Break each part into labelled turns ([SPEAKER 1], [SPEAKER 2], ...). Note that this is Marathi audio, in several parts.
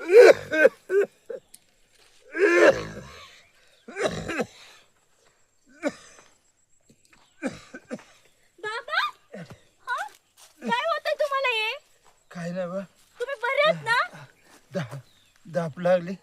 [SPEAKER 1] बाबा हा काय होतंय तुम्हाला हे?
[SPEAKER 2] काय नाही बा
[SPEAKER 1] तुम्ही बरे आहेत ना?
[SPEAKER 2] दाप लागली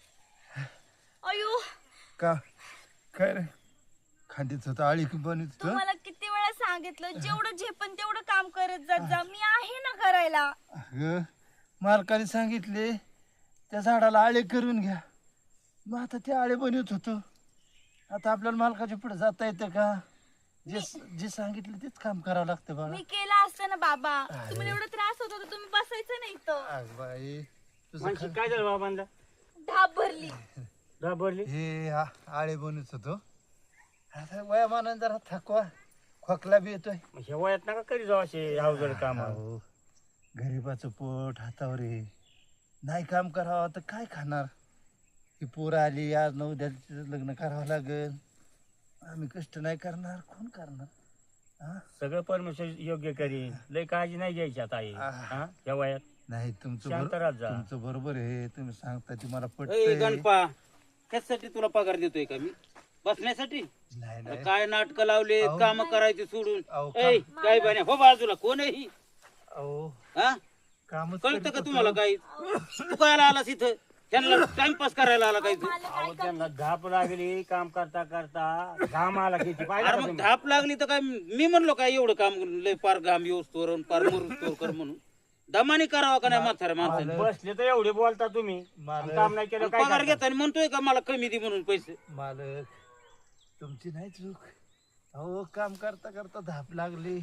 [SPEAKER 1] अयो
[SPEAKER 2] का काय रे खांदीच होतं आळी बनत होतं.
[SPEAKER 1] तुम्हाला किती वेळा सांगितलं जेवढं झेपन तेवढं काम करत जात जा. मी आहे ना करायला.
[SPEAKER 2] अगं मालकाने सांगितले त्या झाडाला आळे करून घ्या. मग आता ते आळे बनवत होतो. आता आपल्याला मालकाच्या पुढे जाता येतं का? जे जे सांगितलं तेच काम करावं लागतं बाबा.
[SPEAKER 1] मी केलं असतं ना बाबा. तुम्हाला एवढा त्रास होत होता तुम्ही बसायचं नाही इथं.
[SPEAKER 2] अग बाई तुझं
[SPEAKER 3] मानशी काय झालं बाबांना?
[SPEAKER 1] धाप भरली.
[SPEAKER 3] घाबरली?
[SPEAKER 2] हे आळे बनवत होतो. आता वयामानाने जरा थकवा खोकला बी येतोय.
[SPEAKER 3] मग ह्या वयात नका करी जाऊ असे अवजड काम.
[SPEAKER 2] अहो, गरीबाचं पोट हातावर आहे. नाही काम करावं तर काय खाणार? ही पोरं आली आज न उद्या लग्न करावं लागेल. आम्ही कष्ट नाही करणार कोण करणार? हा?
[SPEAKER 3] सगळं परमेश्वर योग्य करी. लय काळजी नाही घ्यायची आता आई. हा? या वयात
[SPEAKER 2] नाही तुमचं
[SPEAKER 3] शांत राहत जा.
[SPEAKER 2] तुमचं बरोबर आहे. तुम्ही सांगता ते मला
[SPEAKER 4] ए
[SPEAKER 2] पटतंय.
[SPEAKER 4] गणपा कशासाठी तुला पगार देतोय का मी? बसण्यासाठी?
[SPEAKER 2] नाही नाही
[SPEAKER 4] काय नाटक लावले
[SPEAKER 2] अहो.
[SPEAKER 4] काम करायचे सोडून.
[SPEAKER 2] अहो,
[SPEAKER 4] ए काय बने हो बाजूला कोण आहे ही?
[SPEAKER 2] अहो
[SPEAKER 4] हा
[SPEAKER 2] कामच
[SPEAKER 4] कळतं
[SPEAKER 2] करीत
[SPEAKER 4] का
[SPEAKER 2] होतो.
[SPEAKER 4] तुम्हाला काही? तू काय आलास इथं? त्यांना टाइमपास करायला आला काही तू?
[SPEAKER 3] अहो, त्यांना धाप लागली काम करता करता घाम आला किती पाहिजे
[SPEAKER 4] अरे
[SPEAKER 3] का
[SPEAKER 4] मग
[SPEAKER 3] तुम्ही?
[SPEAKER 4] धाप लागली तर काय मी म्हणलो काय एवढं काम लय पार घाम येऊस तोर पार मरूस तोर कर म्हणून दमानी करावा का नाही म्हाताऱ्या माणसाने?
[SPEAKER 3] बसले तर एवढे बोलता तुम्ही.
[SPEAKER 2] मालक.
[SPEAKER 3] काम नाही केलं काय
[SPEAKER 4] पगार
[SPEAKER 3] करता?
[SPEAKER 4] घेताना म्हणतोय का मला कमी दे म्हणून पैसे?
[SPEAKER 2] मालक तुमची नाही चूक. अहो काम करता करता धाप लागली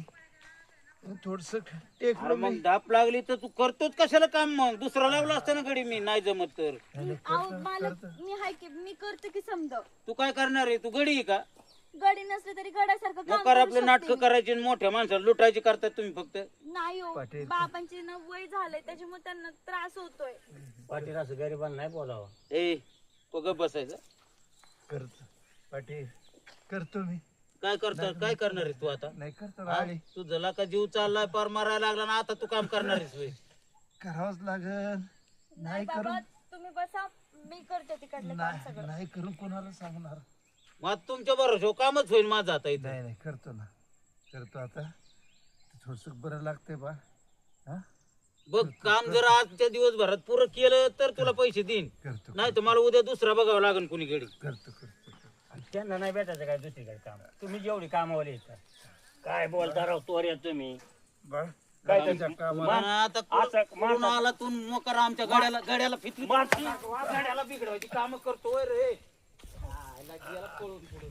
[SPEAKER 2] थोडस
[SPEAKER 4] अरे
[SPEAKER 2] टेकलो
[SPEAKER 4] मग
[SPEAKER 2] मी.
[SPEAKER 4] धाप लागली तर तू करतोच कशाला काम? मग दुसरा लावला असता ना गडी मी नाही जमत तर.
[SPEAKER 1] अहो मालक मी हाय की मी करते की समज.
[SPEAKER 4] तू काय करणार आहे? तू गडी आहे का?
[SPEAKER 1] गडी नसले तरी गड्यासारखं काम
[SPEAKER 4] मग कर
[SPEAKER 1] करू
[SPEAKER 4] आपले
[SPEAKER 1] शकते
[SPEAKER 4] नाटक
[SPEAKER 1] मी.
[SPEAKER 4] करायचे आणि मोठ्या माणसाला लुटायचे करतात तुम्ही फक्त.
[SPEAKER 1] नाही हो
[SPEAKER 2] पाटील.
[SPEAKER 1] बाबांचे ना वय झालंय त्याच्यामुळे त्यांना त्रास होतोय.
[SPEAKER 3] पाटील असं गरिबांना नाही बोलावं.
[SPEAKER 4] ए तो गप बसायचा.
[SPEAKER 2] करतो पाटील करतो मी.
[SPEAKER 4] काय करणार? काय करणार आहे तू आता?
[SPEAKER 2] नाही करतो ना
[SPEAKER 4] हा?
[SPEAKER 2] आली
[SPEAKER 4] तू जला का जीव चाललाय पार मारायला लागला ना आता तू काम करणार आहेस होय?
[SPEAKER 2] करावंच लागल. नाही
[SPEAKER 1] बाबा
[SPEAKER 2] करून
[SPEAKER 1] तुम्ही बसा मी करते तिकडलं काम सगळं.
[SPEAKER 2] नाही करून कोणाला सांगणार?
[SPEAKER 4] मग आता तुमच्या बरोबर कामच होईल माझं आता इथं.
[SPEAKER 2] नाही नाही करतो ना करतो आता. थोडस बरं लागतंय बा. हा
[SPEAKER 4] बघ काम जर आजच्या दिवसभरात पुरं केलं तर तुला पैसे देईन.
[SPEAKER 2] करतो
[SPEAKER 4] नाही तर मला उद्या दुसरा बघावं लागेल कुणी गडी.
[SPEAKER 2] करतो करतो
[SPEAKER 3] त्यांना नाही भेटायचं काय दुसरीकडे काम. तुम्ही जेवढी कामावर येतात काय बोलता राव तोऱ्या तुम्ही.
[SPEAKER 2] बा
[SPEAKER 3] काय
[SPEAKER 2] त्याच्या
[SPEAKER 3] ते-
[SPEAKER 2] कामाला
[SPEAKER 4] पण आता
[SPEAKER 3] असं
[SPEAKER 4] कुठून आला तू मकर आमच्या गाड्याला फितली गाड्याला बिघडवायची काम करतोय रे. आयला गेला पळून पुढे.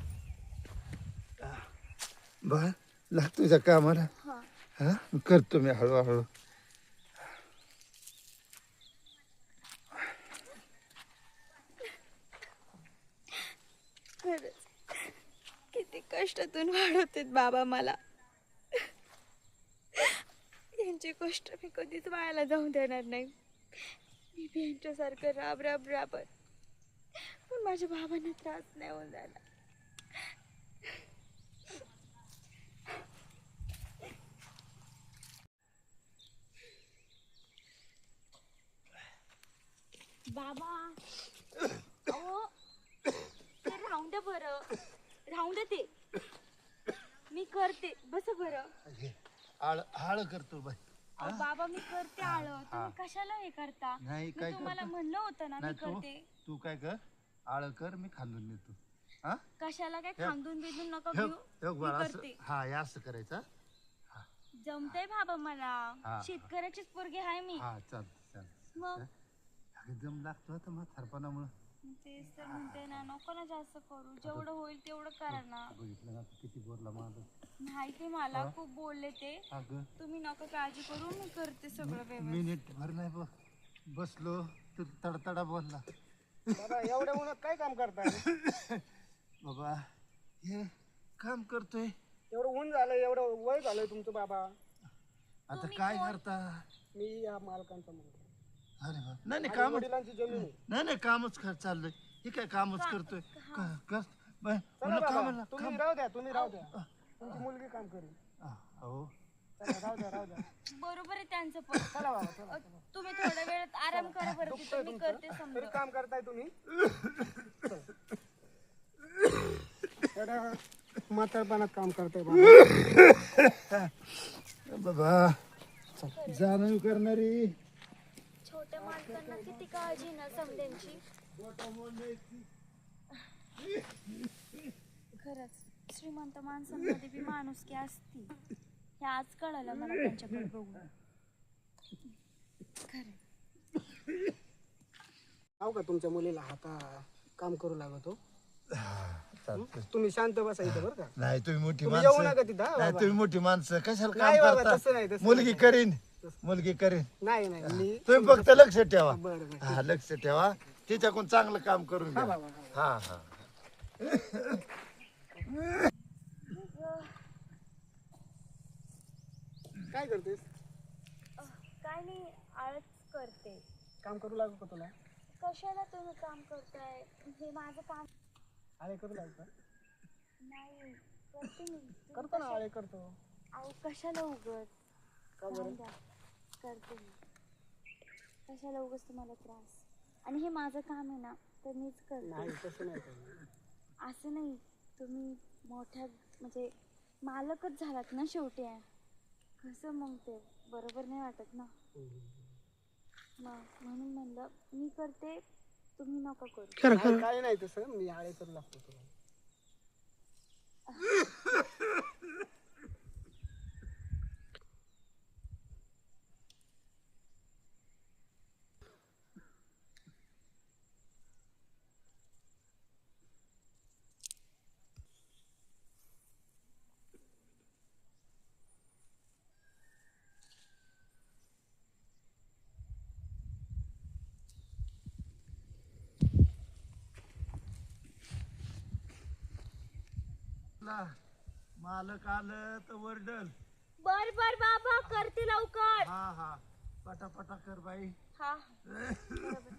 [SPEAKER 2] बा लाग तुझ्या कामाला. हा करतो मी हळूहळू.
[SPEAKER 1] खरंच किती कष्टातून वाढवतेत बाबा मला. यांचे कष्ट मी कधीच वायाला जाऊ देणार नाही. मी बी यांच्यासारखं राब राब राबत पण माझ्या बाबांना त्रास नाही होऊन झाला. बाबा अहो ते राहून द्या बरं. राहून द्या ते मी करते बस बरं.
[SPEAKER 2] हळ करतो बाई.
[SPEAKER 1] अहो बाबा मी करते आळं तुम्ही कशाला हे करता?
[SPEAKER 2] नाही,
[SPEAKER 1] मी
[SPEAKER 2] काय
[SPEAKER 1] तुम्हाला
[SPEAKER 2] करता?
[SPEAKER 1] म्हणलं होतं ना मी
[SPEAKER 2] नाही
[SPEAKER 1] करते.
[SPEAKER 2] तू काय कर आळ कर मी खांदून देतो. हा
[SPEAKER 1] कशाला काय
[SPEAKER 2] हे-
[SPEAKER 1] खांदून बिंदून नका
[SPEAKER 2] हे
[SPEAKER 1] घेऊ.
[SPEAKER 2] हे
[SPEAKER 1] मी
[SPEAKER 2] बघ असं
[SPEAKER 1] करते.
[SPEAKER 2] हा हे असं करायचं.
[SPEAKER 1] जमतंय बाबा मला.
[SPEAKER 2] हा.
[SPEAKER 1] शेतकऱ्याचीच पोरगी आहे मी.
[SPEAKER 2] हा चालतं
[SPEAKER 1] मग
[SPEAKER 2] एकदम लागतो आता म्हातारपणामुळं.
[SPEAKER 1] तेच तर म्हणते ना नको ना जास्त करू. जेवढं होईल तेवढं करा ना.
[SPEAKER 2] बघितलं ना किती बोलला माझं.
[SPEAKER 1] माहिती मला खूप बोलले ते.
[SPEAKER 2] अगं
[SPEAKER 1] तुम्ही नका काळजी करू मी करते सगळं व्यवस्थित.
[SPEAKER 2] मिनिट भर नाही बसलो तर तडतडा बोलला.
[SPEAKER 5] एवढ्या उन्हात काय काम करताय?
[SPEAKER 2] बाबा हे काम करतोय
[SPEAKER 5] एवढं ऊन झालंय, एवढं वय झालंय तुमचं बाबा.
[SPEAKER 2] आता काय करता?
[SPEAKER 5] मी या मालकांचा मुलगा.
[SPEAKER 2] अरे बा नाही नाही
[SPEAKER 5] माझ्या
[SPEAKER 2] कामच
[SPEAKER 5] वडिलांची जमीन आहे.
[SPEAKER 2] नाही कामच चाललंय. हे काय कामच करतोय कर
[SPEAKER 5] चला
[SPEAKER 2] म्हणलं
[SPEAKER 5] बाबा,
[SPEAKER 2] कामाला
[SPEAKER 5] तुम्ही राहू द्या, तुम्ही राहू द्या. तुमची मुलगी काम करेल.
[SPEAKER 2] अहो
[SPEAKER 5] राहू द्या राहू द्या.
[SPEAKER 1] बरोबर आहे त्यांचं पण.
[SPEAKER 5] चला बाबा चला.
[SPEAKER 1] तुम्ही थोड्या वेळात आराम करा बरं, तिथं मी करते
[SPEAKER 5] तरी
[SPEAKER 1] समजा.
[SPEAKER 5] काम करताय तुम्ही एवढ्या म्हातारपणात काम करताय बाबा.
[SPEAKER 2] बाबा जाणीव करणारी
[SPEAKER 1] छोट्या माणसांना किती काळजी ना समध्यांची. खरंच श्रीमंत माणसांमध्ये बी माणुसकी असती, हे आज कळालं मला त्यांच्याकडे बघून. खरं
[SPEAKER 5] हो का तुमच्या मुलीला हाता काम करू लागतो. तुम्ही शांत बसा इथं बरं का.
[SPEAKER 2] नाही तुम्ही मोठी
[SPEAKER 5] तुम्ही येऊ
[SPEAKER 2] माणसं
[SPEAKER 5] नका तिथं, हा
[SPEAKER 2] नाही
[SPEAKER 5] बाबा.
[SPEAKER 2] तुम्ही मोठी माणसं कशाला
[SPEAKER 5] नाही
[SPEAKER 2] काम
[SPEAKER 5] बाबा, तसं नाही,
[SPEAKER 2] करता
[SPEAKER 5] तसं
[SPEAKER 2] मुलगी
[SPEAKER 5] नाही.
[SPEAKER 2] करीन मुलगी करीन
[SPEAKER 5] नाही नाही मी
[SPEAKER 2] तुम्ही फक्त लक्ष ठेवा.
[SPEAKER 5] बरं बरं
[SPEAKER 2] हा लक्ष ठेवा तिच्याकडून चांगलं काम करून
[SPEAKER 5] हा
[SPEAKER 2] घ्या.
[SPEAKER 5] बाबा हा.
[SPEAKER 2] हा हा
[SPEAKER 5] काय करतेस?
[SPEAKER 1] काय नाही, आळच करते.
[SPEAKER 5] काम करू लागू का तुला?
[SPEAKER 1] कशाला तुम्ही काम करताय? हे माझं काम
[SPEAKER 5] आळे करू लागू का?
[SPEAKER 1] नाही, करते मी.
[SPEAKER 5] करतो ना आळे करतो.
[SPEAKER 1] अहो कशाला उगत
[SPEAKER 5] का बरं?
[SPEAKER 1] करते मी. कशाला उगच तुम्हाला त्रास? आणि हे माझं काम आहे ना, तर मीच करते.
[SPEAKER 5] नाही तसं नाही करणार.
[SPEAKER 1] असं नाही, तुम्ही मोठ्या म्हणजे मालकच झालात ना शेवटी. कसं मग ते बरोबर नाही वाटत ना. मग म्हणून म्हणलं मी करते, तुम्ही नका करू.
[SPEAKER 5] नाही, काय नाही तसं, मी आळे करू लागतो तुला.
[SPEAKER 2] मालक आलं तर वरडल.
[SPEAKER 1] बर बर बाबा, करते लवकर.
[SPEAKER 2] हा हा पटापटा कर बाई.
[SPEAKER 1] हा बरोबर.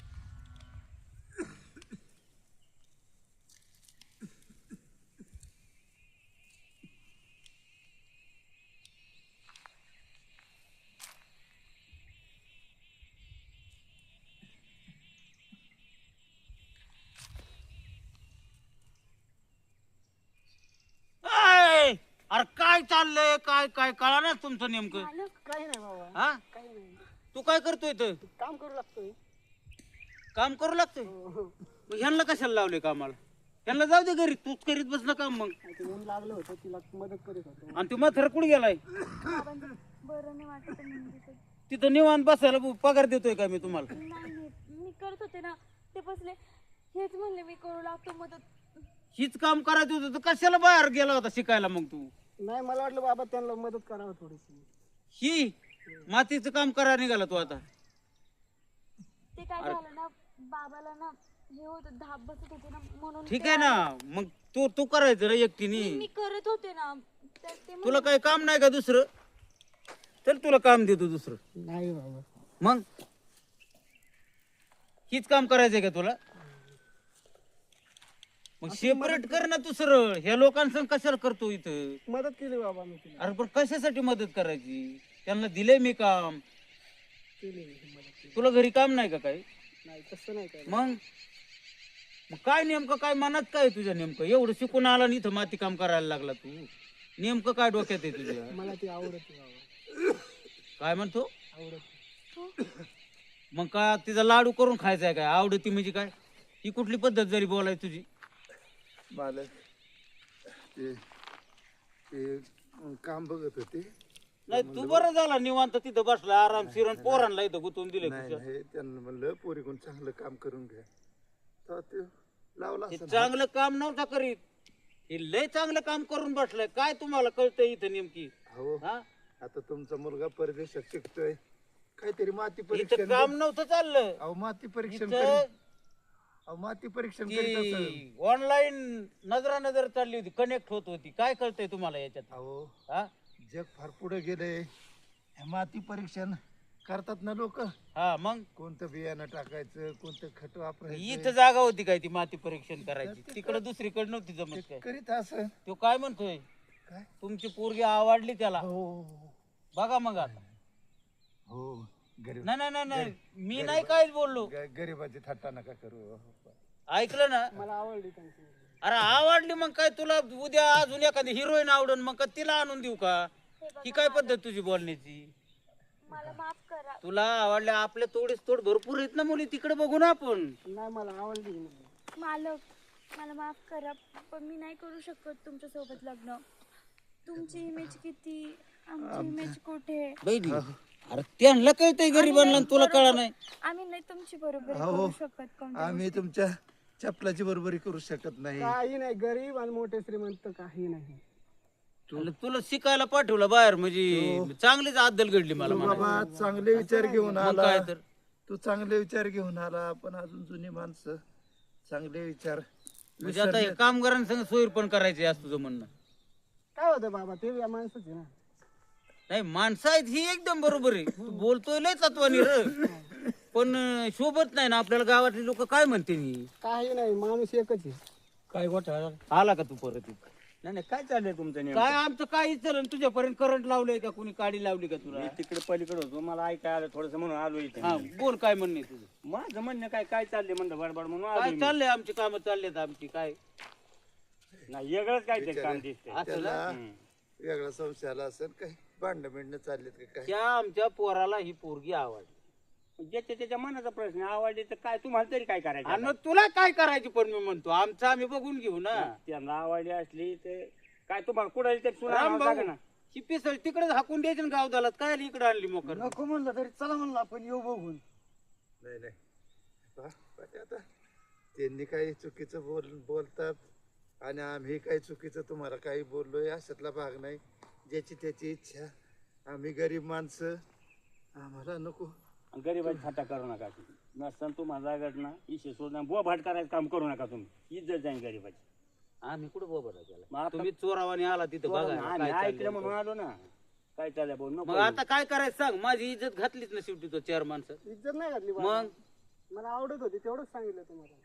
[SPEAKER 4] ऐ, अरे काय चाललंय काय काय कळा ना तुमचं नेमकं.
[SPEAKER 1] मालक,
[SPEAKER 5] काही नाही बाबा,
[SPEAKER 4] हा
[SPEAKER 5] काही नाही.
[SPEAKER 4] तू काय करतोय इथं?
[SPEAKER 5] काम करू लागतोय.
[SPEAKER 4] काम करू लागतोय.
[SPEAKER 5] हो, हो.
[SPEAKER 4] मग ह्यांना कशाला लावले कामाला? ह्यांना जाऊ दे घरी, तूच करीत बस ना काम. मग
[SPEAKER 5] ते ऊन लागलं होतं, तिला मदत करीत होतो.
[SPEAKER 4] आणि तू म्हातारा कुठे गेलाय?
[SPEAKER 1] बाबांचं बरं नाही वाटत आहे म्हणजे ते.
[SPEAKER 4] तिथं निवांत बसायला पगार देतोय का मी तुम्हाला?
[SPEAKER 1] नाही नाही, मी करत होते ना, ते बसले हेच म्हणले मी करू लागतो मदत.
[SPEAKER 4] हीच काम करायचं होतं तर कशाला बाहेर गेला होता शिकायला मग तू?
[SPEAKER 5] नाही मला वाटलं बाबा त्यांना मदत करावं थोडीशी.
[SPEAKER 4] ही मातीचं काम करायला निघाला तू आता?
[SPEAKER 1] ते काय झालं ना, बाबाला ना हे होत, धाप बसत होते ना, म्हणून
[SPEAKER 4] ठीक
[SPEAKER 1] ते-
[SPEAKER 4] आहे ना, मग तू तू करायचं ना एकटीने.
[SPEAKER 1] मी करत होते ना, तर ते
[SPEAKER 4] तुला काही काम नाही का दुसरं? तर तुला काम देतो दुसरं.
[SPEAKER 5] नाही बाबा.
[SPEAKER 4] मग हीच काम करायचंय का तुला? मग सेपरेट कर ना दुसरं. ह्या लोकांसंग कशाला करतो इथं?
[SPEAKER 5] मदत केली बाबा मी तिला.
[SPEAKER 4] अरे पण कशासाठी मदत करायची? त्यांना दिले मी काम.
[SPEAKER 5] केली मी मदत केली.
[SPEAKER 4] तुला घरी काम नाही का काही?
[SPEAKER 5] नाही तसं नाही काय.
[SPEAKER 4] मग मग काय नेमकं काय मनात काय तुझ्या? नेमकं एवढं शिकून आला आणि इथं माती काम करायला लागला तू? नेमकं काय डोक्यात आहे तुझ्या?
[SPEAKER 5] मला ती आवडते बाबा,
[SPEAKER 4] काय म्हणतो?
[SPEAKER 5] आवडते.
[SPEAKER 4] मग का तिचा लाडू करून खायचा आहे काय? आवडती म्हणजे काय? ही कुठली पद्धत जरी बोलाय तुझी?
[SPEAKER 2] मालक ते ते काम बघत होते.
[SPEAKER 4] नाही तू बरं झाला निवांत तिथं बसला आरामशीर आणि पोरांना इथं गुंतवून दिले
[SPEAKER 2] नाही
[SPEAKER 4] तुझ्या.
[SPEAKER 2] नाही त्यांना म्हणलं पोरीकडून चांगलं काम करून घ्या. तर ते लावला
[SPEAKER 4] हे
[SPEAKER 2] असं
[SPEAKER 4] चांगलं काम नव्हता करीत. हे लय चांगलं काम करून बसलाय. काय तुम्हाला कळतंय इथं नेमकी?
[SPEAKER 2] हो.
[SPEAKER 4] हा
[SPEAKER 2] आता तुमचा मुलगा परदेशात शिकतोय, काहीतरी माती
[SPEAKER 4] इथं
[SPEAKER 2] परीक्षण.
[SPEAKER 4] काम नव्हतं चाललं.
[SPEAKER 2] अहो माती परीक्षण
[SPEAKER 4] इथं
[SPEAKER 2] करीत. अहो माती परीक्षण करीत असेल.
[SPEAKER 4] ती ऑनलाईन नजर चालली होती, कनेक्ट होत होती. काय कळतंय तुम्हाला याच्यात?
[SPEAKER 2] अहो
[SPEAKER 4] हा
[SPEAKER 2] जग फार पुढे गेले. हे माती परीक्षण करतात ना लोक.
[SPEAKER 4] हा मग
[SPEAKER 2] कोणतं बियाणं टाकायचं, कोणतं खत वापरायचं
[SPEAKER 4] इथं जागा होती काय ती माती परीक्षण करायची? तिकडे दुसरीकडे नव्हती जमत काय?
[SPEAKER 2] करीत असं.
[SPEAKER 4] तो काय म्हणतोय?
[SPEAKER 2] काय
[SPEAKER 4] तुमची पोरगी आवडली त्याला.
[SPEAKER 2] हो
[SPEAKER 4] बघा मग आता.
[SPEAKER 2] हो गरीब
[SPEAKER 4] नाही नाही नाही नाही मी नाही काहीच बोललो.
[SPEAKER 2] गरीबाची थट्टा नका करू.
[SPEAKER 4] ऐकलं ना?
[SPEAKER 5] मला आवडली त्यांची मुलगी.
[SPEAKER 4] अरे आवडली मग काय तुला उद्या अजून एखादी हिरोईन आवडून मग का तिला आणून देऊ का? ही काय पद्धत तुझी बोलण्याची?
[SPEAKER 1] मला माफ करा.
[SPEAKER 4] तुला आवडल्या आपल्या तोडीस तोड भरपूर आहेत ना मुली, तिकडे बघू ना आपण.
[SPEAKER 5] नाही मला आवडली ही मुलगी.
[SPEAKER 1] मालक मला माफ करा, पण मी नाही करू शकत तुमच्या सोबत लग्न. तुमची इमेज किती, आमची इमेज कुठे?
[SPEAKER 4] बहिणी अरे त्यांना कळतंय गरीबांना आणि तुला कळा नाही.
[SPEAKER 1] आम्ही नाही तुमची बरोबरी
[SPEAKER 2] अहो,
[SPEAKER 1] करू शकत कोणत्या
[SPEAKER 2] आम्ही तुमच्या चपलाची बरोबरी करू शकत नाही.
[SPEAKER 5] काही नाही, गरीब आणि मोठे श्रीमंत काही नाही.
[SPEAKER 4] आणि तुला शिकायला पाठवलं बाहेर म्हणजे चांगलीच अद्दल घडली मला
[SPEAKER 2] तू
[SPEAKER 4] म्हणायचं.
[SPEAKER 2] बाबा चांगले विचार घेऊन
[SPEAKER 4] मग
[SPEAKER 2] आला.
[SPEAKER 4] काय तर
[SPEAKER 2] तू चांगले विचार घेऊन आला, पण अजून जुनी माणसं चांगले विचार
[SPEAKER 4] म्हणजे आता हे कामगारांसंग सोयीर पण करायचे असं तुझं म्हणणं.
[SPEAKER 5] काय होतं बाबा, ते या माणसाचे ना.
[SPEAKER 4] नाही माणसं आहेत ही एकदम बरोबर आहे. तू बोलतोय लय तत्वानी र, पण शोभत नाही ना आपल्याला. गावातले लोक काय म्हणते नी?
[SPEAKER 5] काही नाही, माणूस एकच आहे.
[SPEAKER 3] काय गोठा
[SPEAKER 4] आला का तू परत इथं?
[SPEAKER 3] नाही नाही काय चाललंय तुमचं नेमकं?
[SPEAKER 4] काय आमचं काही चालेल तुझ्यापर्यंत करंट लावलंय का, कुणी काडी लावली का तुला?
[SPEAKER 3] मी तिकडे पलीकडे होतो, मला ऐकाय आलं थोडस म्हणून आलो इथे.
[SPEAKER 4] हा बोल काय म्हणणे तुझं?
[SPEAKER 3] माझं म्हणणं काय काय चाललंय म्हणलं बडबड म्हणून
[SPEAKER 4] काय
[SPEAKER 3] आलो मी.
[SPEAKER 4] चाललंय आमची कामं चाललेत आमची काय
[SPEAKER 3] नाही वेगळंच काय ते काम दिसतंय.
[SPEAKER 4] असं ना?
[SPEAKER 2] वेगळा संशय आला असेल, काही भांडण बिंडणं चाललेत का काय?
[SPEAKER 4] त्या आमच्या पोराला ही पोरगी आवडली
[SPEAKER 3] ज्याच्या त्याच्या मनाचा प्रश्न आवडली तर काय तुम्हाला तरी काय करायचं
[SPEAKER 4] आणि
[SPEAKER 3] आता?
[SPEAKER 4] मग तुला काय करायची? पण मी म्हणतो आमचं आम्ही बघून घेऊ ना.
[SPEAKER 3] त्यांना आवडली असली तर काय तुम्हाला कुठे ते
[SPEAKER 4] राम भाऊ
[SPEAKER 3] सुना ना.
[SPEAKER 4] ही पिसळ तिकडेच हाकून द्यायची ना गावदालात. काय इकडे आणली मोकर?
[SPEAKER 5] नको म्हणलं तरी चला म्हणलं आपण येऊ बघून.
[SPEAKER 2] नाही नाही पण आता त्यांनी काही चुकीचं बोलतात आणि आम्ही काही चुकीचं तुम्हाला काही बोललोय अशातला भाग नाही. ज्याची त्याची इच्छा. आम्ही गरीब माणसं, आम्हाला नको.
[SPEAKER 3] गरीबाची थाटा करू नका नसताना तुम्हाला जागत ना इशे सोडणार बुवा भाट करायचं काम करू नका तुम्ही. इज्जत जाईल गरीबाची.
[SPEAKER 4] आम्ही कुठं बोबा
[SPEAKER 3] मग
[SPEAKER 4] केला?
[SPEAKER 3] आता-
[SPEAKER 4] तुम्ही चोरावाने आला तिथं बघा
[SPEAKER 3] आम्ही
[SPEAKER 4] काय
[SPEAKER 3] ऐकलं
[SPEAKER 4] चाललंय.
[SPEAKER 3] म्हणून आलो ना. काय चाललंय बोल
[SPEAKER 4] मग आता काय करायचं सांग? माझी इज्जत घातलीच ना शेवटी तो चार माणसं.
[SPEAKER 5] इज्जत नाही घातली बाबा.
[SPEAKER 4] मग
[SPEAKER 5] मला आवडत होती तेवढंच सांगितलं तुम्हाला.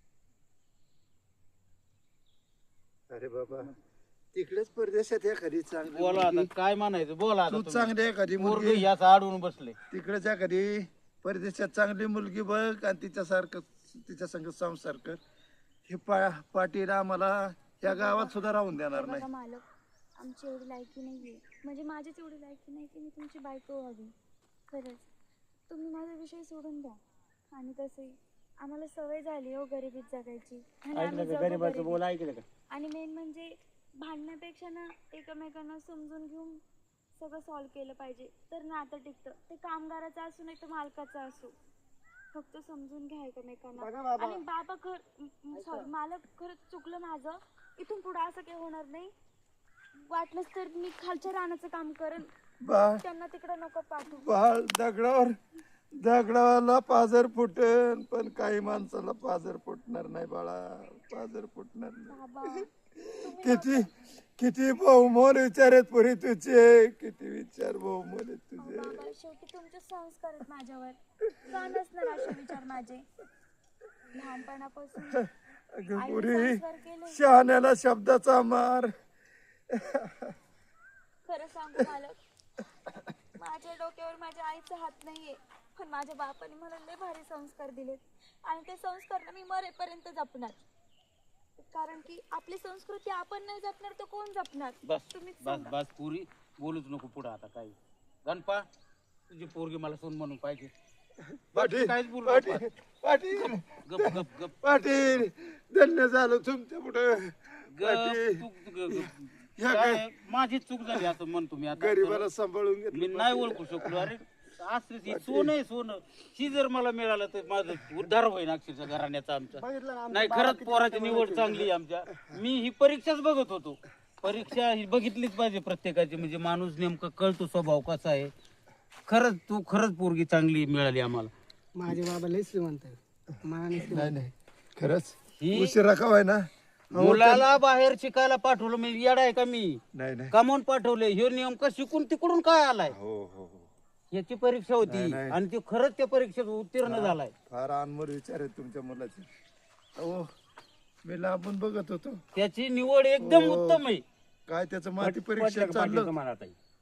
[SPEAKER 2] अरे बाबा तिकडेच परदेशात एखादी चांगली
[SPEAKER 4] बोला आता
[SPEAKER 2] मुलगी-
[SPEAKER 4] काय म्हणायचं बोला आता
[SPEAKER 2] तू
[SPEAKER 4] तुम्ही.
[SPEAKER 2] चांगली एखादी
[SPEAKER 4] पोरगं
[SPEAKER 2] मुलगी
[SPEAKER 4] याचा आडून बसले.
[SPEAKER 2] तिकडेच एखादी परदेशात चांगली मुलगी बघ आणि तिच्यासारखं तिच्या संग संसार कर. हे पाटील आम्हाला या गावात सुद्धा राहून देणार नाही.
[SPEAKER 1] बघा मालक, आमची एवढी लायकी नाहीये, म्हणजे माझीच एवढी लायकी नाही की मी तुमची बायको व्हावी. खरंच तुम्ही माझा विषय सोडून द्या. आणि तसंही आम्हाला सवय झाली हो गरिबीत जगायची. आणि आम्ही
[SPEAKER 3] ऐकलं का
[SPEAKER 1] जगू
[SPEAKER 3] गरीबाचं
[SPEAKER 1] गरिबीत.
[SPEAKER 3] बोल ऐकलं का?
[SPEAKER 1] आणि मेन म्हणजे भांडण्यापेक्षा ना एकमेकांना समजून घेऊन सगळं सॉल्व्ह केलं पाहिजे, तर नातं टिकतं. ते कामगाराचं असू नाही तर मालकाचं असू, फक्त समजून घ्या
[SPEAKER 5] बघा
[SPEAKER 1] एकमेकांना.
[SPEAKER 5] बाबा.
[SPEAKER 1] आणि बाबा सॉरी मालक, खरंच चुकलं माझं. इथून पुढे असं काही होणार नाही. वाटलंच तर मी खालच्या रानाचं काम करेन,
[SPEAKER 2] बाळ
[SPEAKER 1] त्यांना तिकडे नको पाठवू.
[SPEAKER 2] बाळ दगडाला पाजर फुटेल, पण काही माणसाला पाजर फुटणार नाही बाळा. पाजर फुटणार नाही.
[SPEAKER 1] बाबा
[SPEAKER 2] किती किती बहुमोल विचार आहेत पुरी तुझे. किती विचार बहुमोल आहेत तुझे.
[SPEAKER 1] बाबा शेवटी तुमचे संस्कार आहेत माझ्यावर. का नसणार असे विचार माझे? लहानपणापासून
[SPEAKER 2] अगं
[SPEAKER 1] आईने
[SPEAKER 2] पुरी
[SPEAKER 1] संस्कार केले.
[SPEAKER 2] शहाण्याला शब्दाचा मार.
[SPEAKER 1] खरं सांगू मालक, माझ्या डोक्यावर माझ्या आईचा हात नाहीये, पण माझ्या बापाने मला लय भारी संस्कार दिलेत. आणि ते संस्कार ना मी मरेपर्यंत जपणार. कारण की आपली संस्कृती आपण नाही जपणार तर कोण जपणार?
[SPEAKER 4] बस
[SPEAKER 1] तुम्हीच
[SPEAKER 4] बस
[SPEAKER 1] सांगा.
[SPEAKER 4] बस पुरी बोलूच नको पुढे आता काही. गणपा तुझी पोरगी मला सोन म्हणून पाहिजे.
[SPEAKER 2] पाटील
[SPEAKER 4] काहीच बोलू
[SPEAKER 2] पाटील
[SPEAKER 4] नको.
[SPEAKER 2] पाटील
[SPEAKER 4] गप गप गप
[SPEAKER 2] पाटील धन्य झालं तुमच्या पुढे.
[SPEAKER 4] गप चूक
[SPEAKER 2] ह्या
[SPEAKER 4] काय माझी चूक झाली असं म्हणतो मी आता.
[SPEAKER 2] गरीबाला सांभाळून
[SPEAKER 4] मी
[SPEAKER 2] घेतलं.
[SPEAKER 4] नाही ओळखू शकलो. अरे असं सोनं आहे सोनं. ही जर मला मिळालं तर माझं उद्धार होईल अक्षरशः घराण्याचा आमचा.
[SPEAKER 5] बघितलं ना आमचं
[SPEAKER 4] नाही
[SPEAKER 5] बाबा
[SPEAKER 4] खरंच
[SPEAKER 5] किती
[SPEAKER 4] पोराची निवड चांगली आहे आमच्या. मी ही परीक्षाच बघत होतो. परीक्षा ही बघितलीच पाहिजे प्रत्येकाची, म्हणजे माणूस नेमका कळतो स्वभाव कसा आहे. खरंच तू खरंच पोरगी चांगली मिळाली आम्हाला.
[SPEAKER 5] माझे बाबा लय श्रीमंत आहे. मनाने श्रीमंत.
[SPEAKER 2] नाही नाही खरंच
[SPEAKER 4] ही
[SPEAKER 2] उशिरा कवाय ना.
[SPEAKER 4] मुलाला बाहेर शिकायला पाठवलं मी येडा आहे का मी?
[SPEAKER 2] नाही नाही
[SPEAKER 4] कमावून पाठवले. हे नेमका शिकून तिकडून काय आलाय
[SPEAKER 2] हो हो हो
[SPEAKER 4] याची परीक्षा होती
[SPEAKER 2] नाही.
[SPEAKER 4] आणि ती खरंच त्या परीक्षेत उत्तीर्ण झालाय.
[SPEAKER 2] फार अनमोल विचार आहेत तुमच्या मुलाचे. हो मी लांबून बघत होतो.
[SPEAKER 4] त्याची निवड एकदम
[SPEAKER 2] हो.
[SPEAKER 4] उत्तम आहे.
[SPEAKER 2] काय त्याचं माती
[SPEAKER 3] पटलं
[SPEAKER 2] परीक्षा
[SPEAKER 3] का पाटील
[SPEAKER 2] चाललं.
[SPEAKER 3] तुम्हाला आता?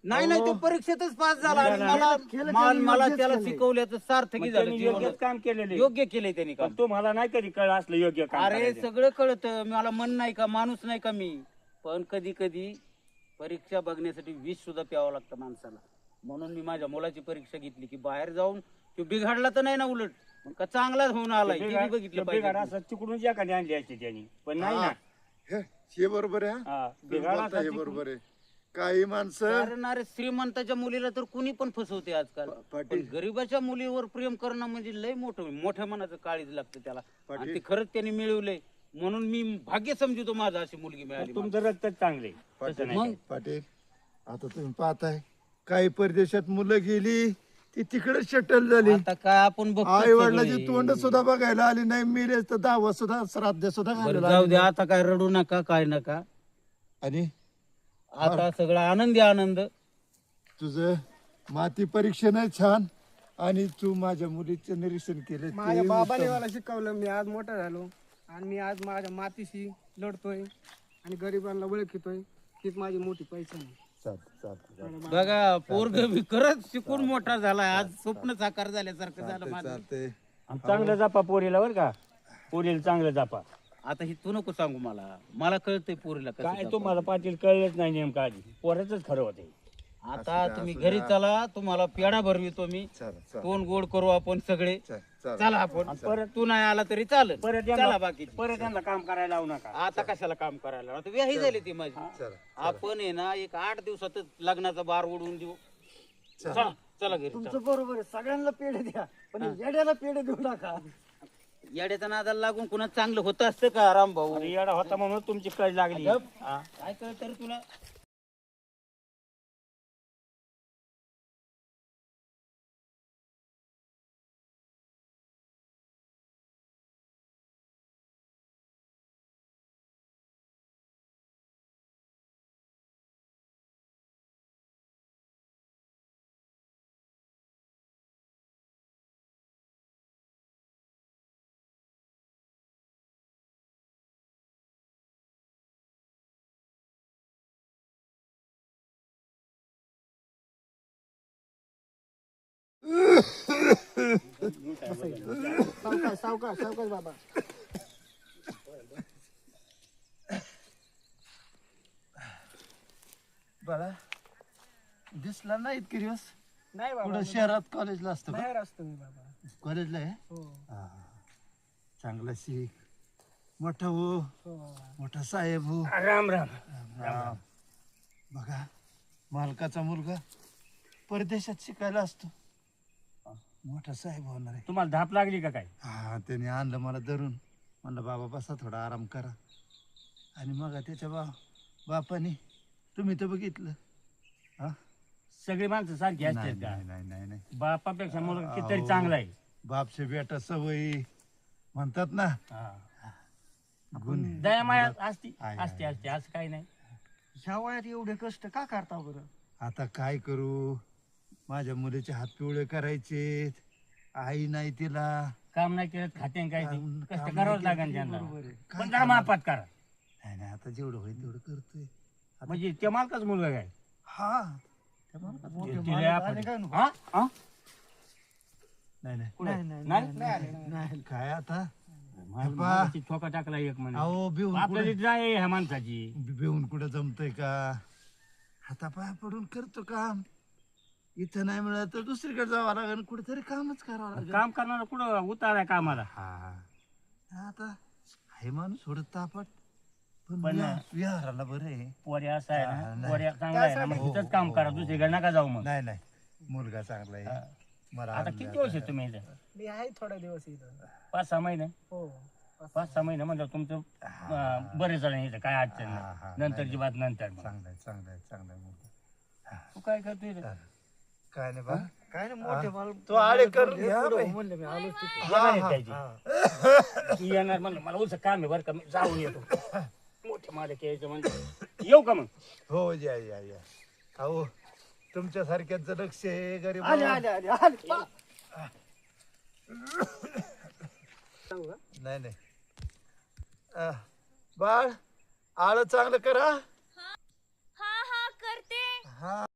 [SPEAKER 4] नाही नाही तो परीक्षेतच पास झाला आणि मला त्याला शिकवल्याचं सार्थकी झालं
[SPEAKER 3] त्यांनी
[SPEAKER 4] जीवनात.
[SPEAKER 3] योग्यच काम केलेले
[SPEAKER 4] योग्य केलंय त्यांनी काम.
[SPEAKER 3] पण तुम्हाला नाही कधी कळ असलं योग्य काम
[SPEAKER 4] अरे
[SPEAKER 3] करायचं.
[SPEAKER 4] सगळं कळतं, मला मन नाही का, माणूस नाही का मी, पण कधी कधी परीक्षा बघण्यासाठी विष सुद्धा प्यावं लागतं माणसाला. म्हणून मी माझ्या मुलाची परीक्षा घेतली की बाहेर जाऊन तो बिघडला तर नाही ना, उलट मग का चांगलाच होऊन आलाय हे बी बघितलं
[SPEAKER 3] बिघाड
[SPEAKER 4] पाहिजे.
[SPEAKER 3] असं तिकडून एखादी आणली असते त्यांनी, पण नाही ना.
[SPEAKER 2] हे बरोबर आहे
[SPEAKER 3] हा,
[SPEAKER 2] तुम्ही
[SPEAKER 3] बिघाड
[SPEAKER 2] बोलता
[SPEAKER 3] असा
[SPEAKER 2] हे
[SPEAKER 3] तिकडून-
[SPEAKER 2] बरोबर आहे. काही माणसं
[SPEAKER 4] कारण अरे श्रीमंताच्या मुलीला तर कुणी पण फसवते आजकाल, पण गरीबाच्या मुलीवर प्रेम करणं म्हणजे लय मोठ्या मनाचं काळीज लागतं त्याला, आणि ते खरंच त्यांनी मिळवलंय. म्हणून मी भाग्य समजतो माझा अशी मुलगी मिळाली.
[SPEAKER 3] तुमचं रक्तच चांगले
[SPEAKER 4] मग
[SPEAKER 2] पाटील आता तुम्ही पाहताय काही परदेशात मुलं गेली ती तिकडे शटल झाली.
[SPEAKER 4] आता काय आपण बघतो
[SPEAKER 2] आई वडिलाची
[SPEAKER 4] सगळे.
[SPEAKER 2] तोंड सुद्धा बघायला आली नाही, मिरे तर दावा सुद्धा श्राद्ध सुद्धा
[SPEAKER 4] बरं,
[SPEAKER 2] घालायला
[SPEAKER 4] जाऊ
[SPEAKER 2] आली
[SPEAKER 4] दे आता, काय रडू नका काय नका,
[SPEAKER 2] नाही. आणि
[SPEAKER 4] आता सगळा आनंदी आनंद.
[SPEAKER 2] तुझं माती परीक्षण आहे छान, आणि तू माझ्या मुलीचं निरीक्षण केलं
[SPEAKER 5] माझ्या
[SPEAKER 2] ते
[SPEAKER 5] बाबाने
[SPEAKER 2] उत्तम.
[SPEAKER 5] मला शिकवलं, मी आज मोठा झालो आणि मी आज माझ्या मातीशी लढतोय आणि गरिबांना ओळखितोय. हीच माझी मोठी पैसा आहे.
[SPEAKER 2] चालतंय.
[SPEAKER 4] बघा पोरग खरंच शिकून मोठा झाला, आज स्वप्न साकार झाल्यासारखं झालं माझं.
[SPEAKER 2] चालतंय.
[SPEAKER 3] चांगलं जपा पोरीला बरं का, पोरीला चांगलं जपा.
[SPEAKER 4] आता ही तू नको सांगू मला कळतंय पोरीला कसं
[SPEAKER 3] काय
[SPEAKER 4] जपावं.
[SPEAKER 3] तुम्हाला पाटील कळलंच नाही नेमकं आधी, पोराचंच खरं होते.
[SPEAKER 4] आता तुम्ही घरी चला, तुम्हाला पेढा भरवितो मी, तोंड गोड करू आपण सगळे. चला आपण, परत तू नाही आला तरी चालेल.
[SPEAKER 3] परत
[SPEAKER 4] चला
[SPEAKER 3] यांना
[SPEAKER 4] बाकी
[SPEAKER 3] त्यांना काम करायला लावू नका.
[SPEAKER 4] आता कशाला काम करायला, आता व्याही झाली ती माझी. आपण आहे ना एक 8 दिवसातच लग्नाचा बार उडवून देऊ. चला चला घरी चला.
[SPEAKER 5] बरोबर आहे, सगळ्यांना पेढे द्या पण येड्याला पेढे देऊ नका.
[SPEAKER 4] येड्याच्या नादाला लागून कुणा चांगलं होतं असतं का राम भाऊ?
[SPEAKER 3] अरे येडा होता म्हणून तुमची कळ लागली. हा.
[SPEAKER 4] काय कळत तरी तुला?
[SPEAKER 5] सावकाश सावकाश सावकाश बाबा.
[SPEAKER 2] बाळा दिसला नाही इतके दिवस,
[SPEAKER 5] नाही बाबा,
[SPEAKER 2] पुढे शहरात कॉलेजला असतो का?
[SPEAKER 5] बाहेर असतो मी बाबा.
[SPEAKER 2] कॉलेजला आहे
[SPEAKER 5] हो
[SPEAKER 2] हा. चांगला शिक, मोठा हो,
[SPEAKER 5] हो.
[SPEAKER 2] मोठा साहेब हो.
[SPEAKER 3] राम राम.
[SPEAKER 2] राम. बघा मालकाचा मुलगा परदेशात शिकायला असतो, मोठा साहेब होणार आहे.
[SPEAKER 3] तुम्हाला धाप लागली का काय?
[SPEAKER 2] हा त्याने आणलं मला धरून, म्हणलं बाबा बसा थोडा आराम करा. आणि मग त्याच्या बापाने तुम्ही तर बघितलं. हा
[SPEAKER 3] सगळी माणसं सारखी असतात
[SPEAKER 2] नाही
[SPEAKER 3] का?
[SPEAKER 2] नाही नाही नाही नाही.
[SPEAKER 3] बापापेक्षा मुलगा कितीतरी चांगला आहे.
[SPEAKER 2] बापशे बेटा सवयी म्हणतात ना,
[SPEAKER 3] हा.
[SPEAKER 2] गुण
[SPEAKER 3] दया माया असते
[SPEAKER 2] आहे,
[SPEAKER 3] असते असते असं काही नाही.
[SPEAKER 5] ह्या वयात एवढे कष्ट का करता बरं?
[SPEAKER 2] आता काय करू, माझ्या मुलीचे हात पिवळे करायचे, आई नाही तिला.
[SPEAKER 3] काम नाही केलं खाते काय ते.
[SPEAKER 2] काम
[SPEAKER 3] कष्ट
[SPEAKER 2] नाही
[SPEAKER 3] करावंच
[SPEAKER 2] केलं
[SPEAKER 3] लागेल
[SPEAKER 2] तरी
[SPEAKER 3] त्यांना.
[SPEAKER 2] बरोबर आहे. काय
[SPEAKER 3] पण जरा
[SPEAKER 2] करणार?
[SPEAKER 3] मापात करा.
[SPEAKER 2] नाही नाही आता जेवढं होईल तेवढं करतोय.
[SPEAKER 3] म्हणजे त्या मालकाच मुलगा काय?
[SPEAKER 2] हा त्या मालकाचं.
[SPEAKER 3] तिला आपण- हा? हा?
[SPEAKER 2] नाही नाही
[SPEAKER 3] कुठे? नाही?
[SPEAKER 2] नाही काय आता
[SPEAKER 3] मालकाची ठोका टाकला एक म्हणे.
[SPEAKER 2] अहो बिवून
[SPEAKER 3] आपल्याला
[SPEAKER 2] कुठं
[SPEAKER 3] जाय ह्या माणसाची.
[SPEAKER 2] बिवून कुठं जमतंय का, हातापाया पडून करतो काम. इथं नाही मिळत तर दुसरीकडे जावं लागेल, कुठेतरी कामच करावं लागेल.
[SPEAKER 3] काम करणारा कुठं उताराय कामाला.
[SPEAKER 2] हा आता हे माणूस थोडं तापट, पण
[SPEAKER 3] पण-
[SPEAKER 2] विहाराला बरं आहे.
[SPEAKER 3] पोरी असं आहे
[SPEAKER 2] हा,
[SPEAKER 3] ना,
[SPEAKER 2] नाही.
[SPEAKER 3] पोरी चांगला आहे ना, मग तिथंच काम करा, दुसरीकडे नका जाऊ मग.
[SPEAKER 2] नाही नाही मुलगा चांगला आहे. मला
[SPEAKER 3] आता
[SPEAKER 2] आवडलं
[SPEAKER 3] किती
[SPEAKER 2] आता.
[SPEAKER 3] वर्ष आहे तुम्ही इथं?
[SPEAKER 5] मी आहे थोड्या दिवस इथं.
[SPEAKER 3] 5-6 महिने.
[SPEAKER 5] हो
[SPEAKER 3] 5-6 महिने म्हणजे तुमचं बरेच जण इथं काय अडचण
[SPEAKER 2] हा, हा,
[SPEAKER 3] नाही. नंतरची बात नंतर मग.
[SPEAKER 2] चांगला आहे चांगला आहे चांगला आहे मुलगा.
[SPEAKER 3] तू काय करतोय इथं?
[SPEAKER 2] काय नाही बा,
[SPEAKER 5] काय नाही मोठे माल
[SPEAKER 2] तो आडे करून घ्या बाई.
[SPEAKER 5] म्हणले मी आलोच तिथे.
[SPEAKER 3] येणार आहेत त्याची. तू येणार म्हणलं मला उलचं काम आहे बरं का, मी जाऊन येतो. मोठे मालक यायचं म्हणजे येऊ का मग?
[SPEAKER 2] हो या या या. अहो तुमच्यासारख्याच लक्ष आहे गरीब.
[SPEAKER 5] आले आले आले आले. सांगू का?
[SPEAKER 2] नाही नाही बाळ आळ चांगलं करा.
[SPEAKER 1] हा हा करते.
[SPEAKER 2] हा